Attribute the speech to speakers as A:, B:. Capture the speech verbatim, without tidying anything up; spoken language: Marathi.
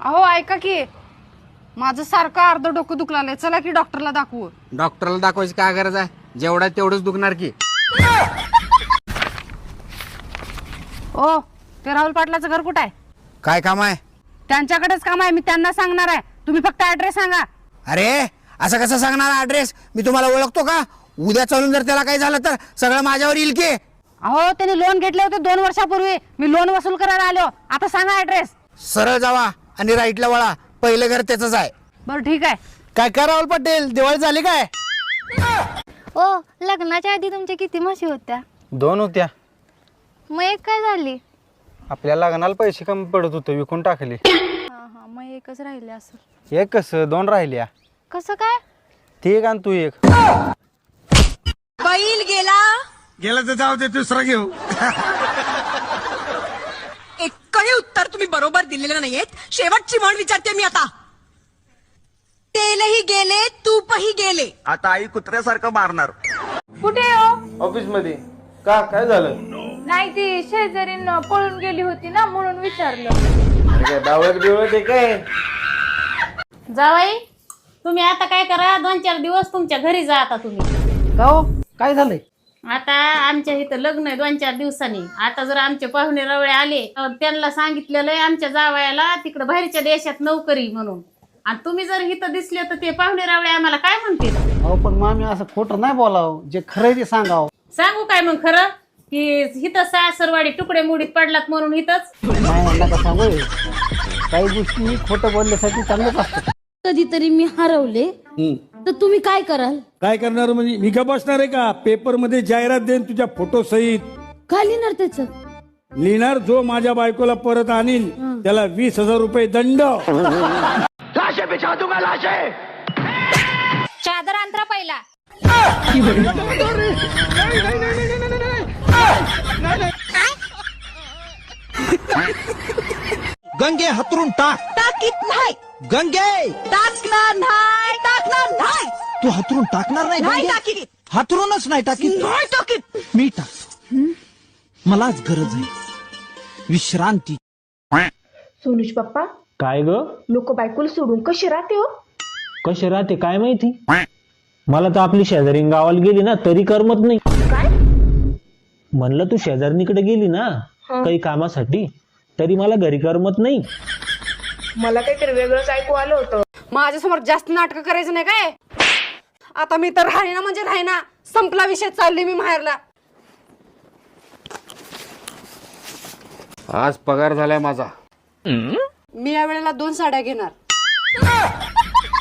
A: अहो ऐका की, माझं सारखं अर्ध डोकं दुखलाय, चला की डॉक्टरला दाखवू.
B: डॉक्टरला दाखवायची काय गरज आहे, जेवढा तेवढंच दुखणार की.
A: ओ ते राहुल पाटलाचं घर कुठं आहे?
B: काय काम आहे?
A: त्यांच्याकडेच काम आहे, मी त्यांना सांगणार आहे. तुम्ही फक्त ऍड्रेस सांगा.
B: अरे असं कसं सांगणार ऍड्रेस? मी तुम्हाला ओळखतो का? उद्या चालून जर त्याला काही झालं तर सगळं माझ्यावर येईल की.
A: अहो त्यांनी लोन घेतले होते दोन वर्षापूर्वी, मी लोन वसूल करायला आलो. आता सांगा ऍड्रेस.
B: सरळ जावा आणि राईटला वळा, पहिलं घर त्याच आहे.
A: बरं ठीक आहे.
B: काय काय राहुल पटेल, दिवाळी झाली काय?
C: ओ लग्नाच्या आधी तुमच्या किती म्हशी होत्या?
D: दोन होत्या.
C: मग एक काय झाली?
D: आपल्या लग्नाला पैसे कमी पडत होते, विकून टाकली.
C: हा हा मग एकच राहिले असं.
D: एक कसं दोन राहिल्या.
C: कसं काय?
D: ती एक आणि तू एक.
E: बैल गेला
B: गेला तर जाऊ दे, दुसरा घेऊ.
E: एकही उत्तर तुम्ही बरोबर दिलेलं नाहीयेत. शेवटची म्हण विचारते मी आता. तेलही गेले तूपही गेले.
F: आता आई कुत्र्यासारखं मारणार.
G: कुठे हो?
D: ऑफिस मध्ये. का काय झालं?
G: नाही ती शेजारीन पळून गेली होती ना म्हणून विचारलं.
D: डावळत बिवळत काय?
H: जावाई तुम्ही आता काय करा, दोन चार दिवस तुमच्या घरी जा. आता तुम्ही
I: गाव काय झालंय?
H: आता आमच्या इथं लग्न आहे दोन चार दिवसांनी. आता जर आमचे पाहुणे रवळे आले तर त्यांना सांगितलेलं आहे आमच्या जावयाला तिकडे बाहेरच्या देशात नोकरी म्हणून. आणि तुम्ही जर इथं दिसले तर ते पाहुणे रवळे आम्हाला काय म्हणतील?
I: अहो पण मामी असं खोटं नाही बोलावं, जे खरं ते सांगावं.
H: सांगू काय मग खरं की इथं सासरवाडी तुकडे मुडीत पडलात म्हणून इथंच?
I: नाही म्हणलं का सांगू, काही गोष्टी खोटं बोलण्यासाठी चांगलंच असतं.
J: कधीतरी मी हरवले तर तुम्ही काय कराल?
K: काय करणार म्हणजे मी का बसणार आहे का? पेपर मध्ये जाहिरात देईन तुझ्या फोटो सहित.
J: काय लिहिणार त्याच?
K: लिहिणार जो माझ्या बायकोला परत आणील त्याला वीस हजार रुपये दंड.
F: लाशे बिछा दूंगा लाशे.
C: चादर अंतरा पहिला.
F: गंगे हतरून टाक.
E: टाकीत नाही.
F: गंगे
E: टाकणार नाही. टाकणार नाही.
F: तू हतरून टाकणार नाही.
E: नाही
F: गंगे?
E: टाकीत.
F: हतरूनच नाही टाकीत.
E: नाही टाकीत.
F: मी टाक. मलाच गरज आहे विश्रांती.
G: सोनुष पप्पा,
D: काय ग?
G: लोक बायकोला सोडून कशी राहते हो?
D: कशी राहते काय माहिती. मला तर आपली शेजारी गावाला गेली ना तरी करमत नाही.
G: काय
D: म्हणलं तू शेजारणीकडे गेली ना काही कामासाठी तरी मला घरी करमत नाही.
G: मला काहीतरी वेगळंच ऐकू आलं होतं.
A: माझ्यासमोर जास्त नाटकं करायचं नाही काय. आता मी तर राहीना म्हणजे राहीना, संपला विषय, चालली मी माहेरला.
B: आज पगार झालाय माझा.
A: मी या वेळेला दोन साड्या घेणार.